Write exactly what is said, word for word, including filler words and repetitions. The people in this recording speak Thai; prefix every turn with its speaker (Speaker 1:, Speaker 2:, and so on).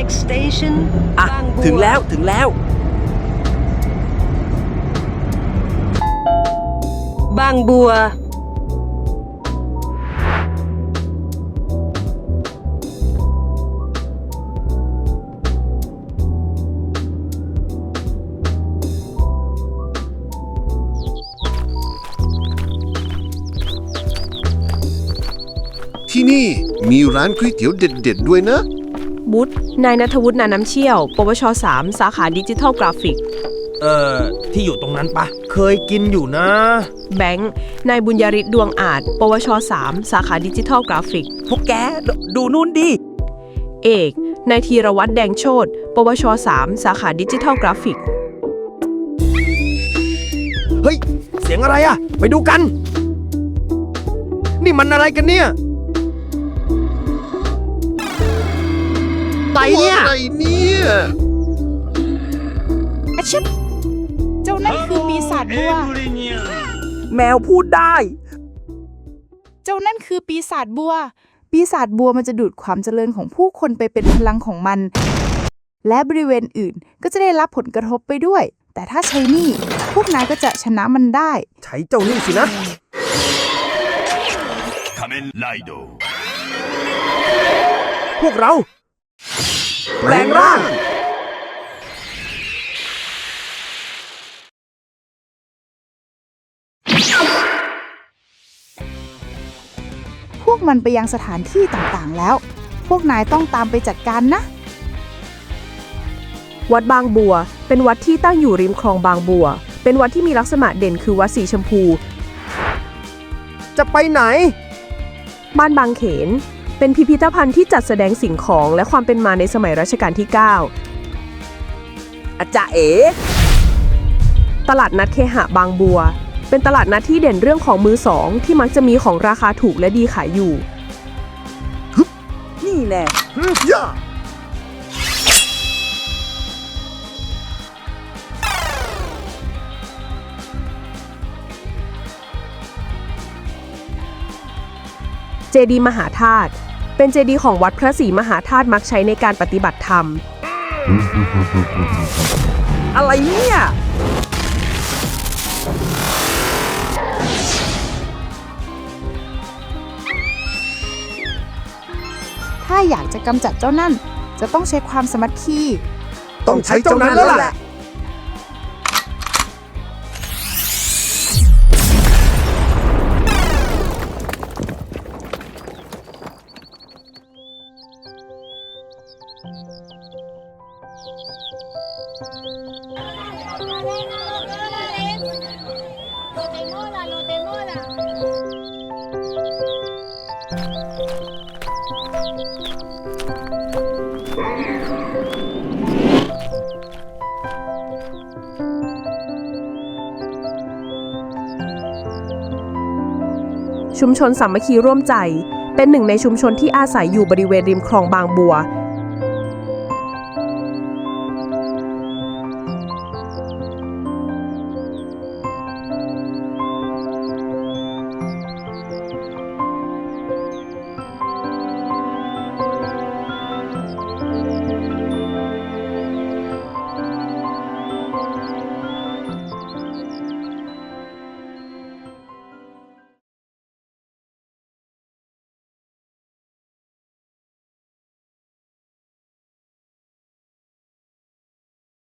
Speaker 1: Next station
Speaker 2: อ่ะ
Speaker 1: บางบัว
Speaker 2: ถึงแล้วถึงแล้ว
Speaker 1: บางบัว
Speaker 3: ที่นี่มีร้านก๋วยเตี๋ยวเด็ดๆด้วยนะ
Speaker 4: บุตรนายณัฐวุฒินาน้ำเชี่ยว ปวช สาม สาขาดิจิทัลกราฟิก
Speaker 5: เอ่อ ที่อยู่ตรงนั้นปะ เคยกินอยู่นะ
Speaker 4: แบงค์ นายบุญยริศดวงอาจ ปวช สาม สาขาดิจิทัลกราฟิก
Speaker 2: พวกแกดดูนู่นดิ
Speaker 4: เอก นายธีรวัตรแดงโชติ ปวช สาม สาขาดิจิทัลกราฟิก
Speaker 5: เฮ้ย เสียงอะไรอะไปดูกัน นี่มันอะไรกันเนี่ยไตเนี่ย
Speaker 3: อะไรเนี่ย
Speaker 6: อาชิบเจ้านั่นคือปีศาจบัว
Speaker 2: แมวพูดได้
Speaker 6: เจ้านั่นคือปีศาจบัว ปีศาจบัวมันจะดูดความเจริญของผู้คนไปเป็นพลังของมัน และบริเวณอื่นก็จะได้รับผลกระทบไปด้วย แต่ถ้าใช้นี่พวกนายก็จะชนะมันได้
Speaker 5: ใช้เจ้านี่สินะ พวกเรา
Speaker 2: แปลงร่าง
Speaker 6: พวกมันไปยังสถานที่ต่างๆแล้ว พวกนายต้องตามไปจัดการนะ
Speaker 4: วัดบางบัว เป็นวัดที่ตั้งอยู่ริมคลองบางบัว เป็นวัดที่มีลักษณะเด่นคือวัดสีชมพู
Speaker 5: จะไปไหน
Speaker 4: บ้านบางเขน เป็นพิพิธภัณฑ์ที่จัดแสดงสิ่งของและความเป็นมาในสมัยรัชกาลที่ เก้า
Speaker 2: อาจารย์เอ๋
Speaker 4: ตลาดนัดเคหะบางบัว เป็นตลาดนัดที่เด่นเรื่องของมือสองที่มักจะมีของราคาถูกและดีขายอยู่
Speaker 2: นี่แน่
Speaker 3: ย่า
Speaker 4: เจดีย์มหาธาตุ เป็นเจดีย์ของวัดพระศรีมหาธาตุมักใช้ในการปฏิบัติธรรม
Speaker 2: อะไรเนี่ย
Speaker 6: ถ้าอยากจะกำจัดเจ้านั่น จะต้องใช้ความสามัคคี
Speaker 3: ต้องใช้เจ้านั้นแล้วแหละ
Speaker 4: ชุมชนสามัคคีร่วมใจ เป็นหนึ่งในชุมชนที่อาศัยอยู่บริเวณริมคลองบางบัว